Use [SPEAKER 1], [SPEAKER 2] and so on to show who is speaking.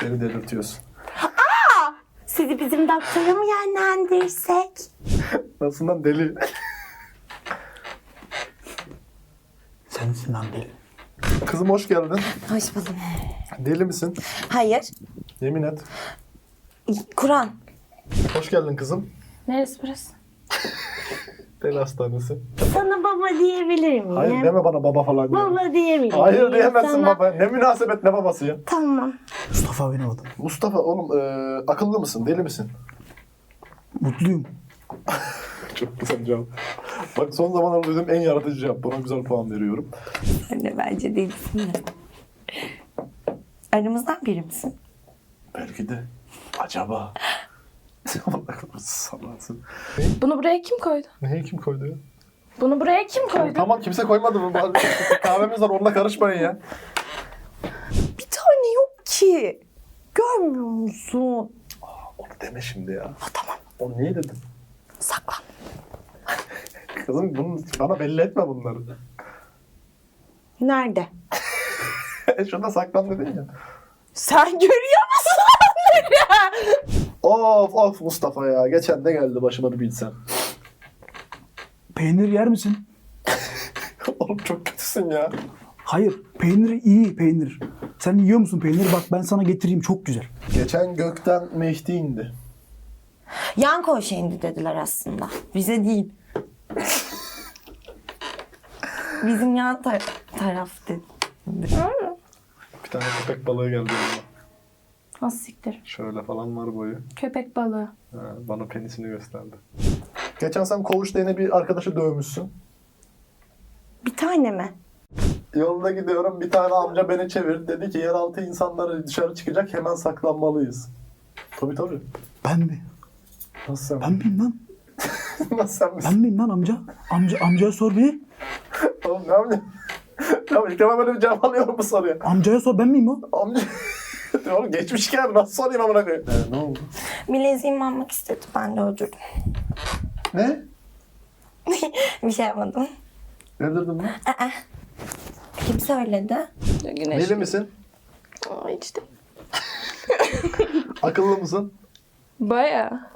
[SPEAKER 1] Beni delirtiyorsun.
[SPEAKER 2] Sizi bizim doktora mı yönlendirsek?
[SPEAKER 1] Nasıl lan deli?
[SPEAKER 3] Sensin lan deli.
[SPEAKER 1] Kızım hoş geldin.
[SPEAKER 2] Hoş buldum.
[SPEAKER 1] Deli misin?
[SPEAKER 2] Hayır.
[SPEAKER 1] Yemin et.
[SPEAKER 2] Kur'an.
[SPEAKER 1] Hoş geldin kızım.
[SPEAKER 4] Neresi burası?
[SPEAKER 1] Deli hastanesi.
[SPEAKER 2] Sana baba diyebilir miyim?
[SPEAKER 1] Hayır deme bana baba falan diye.
[SPEAKER 2] Baba diyebilir miyim?
[SPEAKER 1] Hayır diyemezsin
[SPEAKER 2] Sana...
[SPEAKER 1] baba. Ne münasebet ne babası ya.
[SPEAKER 2] Tamam.
[SPEAKER 3] Mustafa benim adım.
[SPEAKER 1] Mustafa oğlum akıllı mısın? Deli misin?
[SPEAKER 3] Mutluyum.
[SPEAKER 1] Çok güzel cevap. Bak son zamanlarda duyduğum en yaratıcı cevap. Buna güzel puan veriyorum.
[SPEAKER 2] Sen de bence değilsin de. Aramızdan biri misin?
[SPEAKER 1] Belki de. Acaba. Allah korusun sallansın.
[SPEAKER 4] Bunu buraya kim koydu?
[SPEAKER 1] Neyi kim koydu ya?
[SPEAKER 4] Bunu buraya kim koydu?
[SPEAKER 1] Tamam kimse koymadı mı? Kahvemiz var onunla karışmayın ya.
[SPEAKER 2] Bir tane yok ki. Görmüyor musun?
[SPEAKER 1] Onu deme şimdi ya.
[SPEAKER 2] Ha, tamam.
[SPEAKER 1] Onu niye dedin?
[SPEAKER 2] Saklan.
[SPEAKER 1] Kızım bunu, bana belli etme bunları.
[SPEAKER 2] Nerede?
[SPEAKER 1] Şurada saklan dedin ya.
[SPEAKER 2] Sen görüyor musun onları?
[SPEAKER 1] Of Mustafa ya. Geçen de geldi başıma bir bilsen.
[SPEAKER 3] Peynir yer misin?
[SPEAKER 1] Oğlum çok kötüsün ya.
[SPEAKER 3] Hayır. Peynir iyi peynir. Sen yiyor musun peynir? Bak ben sana getireyim. Çok güzel.
[SPEAKER 1] Geçen gökten Mehdi indi.
[SPEAKER 2] Yan koğuşa indi dediler aslında. Bize değil. Bizim yan taraf dedi.
[SPEAKER 1] Bir tane köpek balığı geldi yanıma.
[SPEAKER 4] Az siktir.
[SPEAKER 1] Şöyle falan var boyu.
[SPEAKER 4] Köpek balığı.
[SPEAKER 1] Ha, bana penisini gösterdi. Geçen sen koğuşta yine bir arkadaşı dövmüşsün.
[SPEAKER 2] Bir tane mi?
[SPEAKER 1] Yolda gidiyorum bir tane amca beni çevirdi. Dedi ki yeraltı insanları dışarı çıkacak hemen saklanmalıyız. Tabii.
[SPEAKER 3] Ben mi?
[SPEAKER 1] Nasıl sen?
[SPEAKER 3] Ben miyim lan?
[SPEAKER 1] Nasıl sen misin?
[SPEAKER 3] Ben miyim lan amca? Amcaya sor bir.
[SPEAKER 1] Oğlum ne yapayım? Tamam ilk defa böyle bir cevap alıyorum bu soruya.
[SPEAKER 3] Amcaya sor ben miyim o?
[SPEAKER 1] Amca... Oğlum geçmişken nasıl sorayım amına koyayım? Ne oldu?
[SPEAKER 2] Bileziğimi almak istedi. Ben de öldürdüm.
[SPEAKER 1] Ne?
[SPEAKER 2] Bir şey yapmadım.
[SPEAKER 1] Öldürdün mü?
[SPEAKER 2] Kim söyledi?
[SPEAKER 4] Güneş.
[SPEAKER 1] Deli misin?
[SPEAKER 4] Aa, hiç de.
[SPEAKER 1] Akıllı mısın?
[SPEAKER 4] Baya.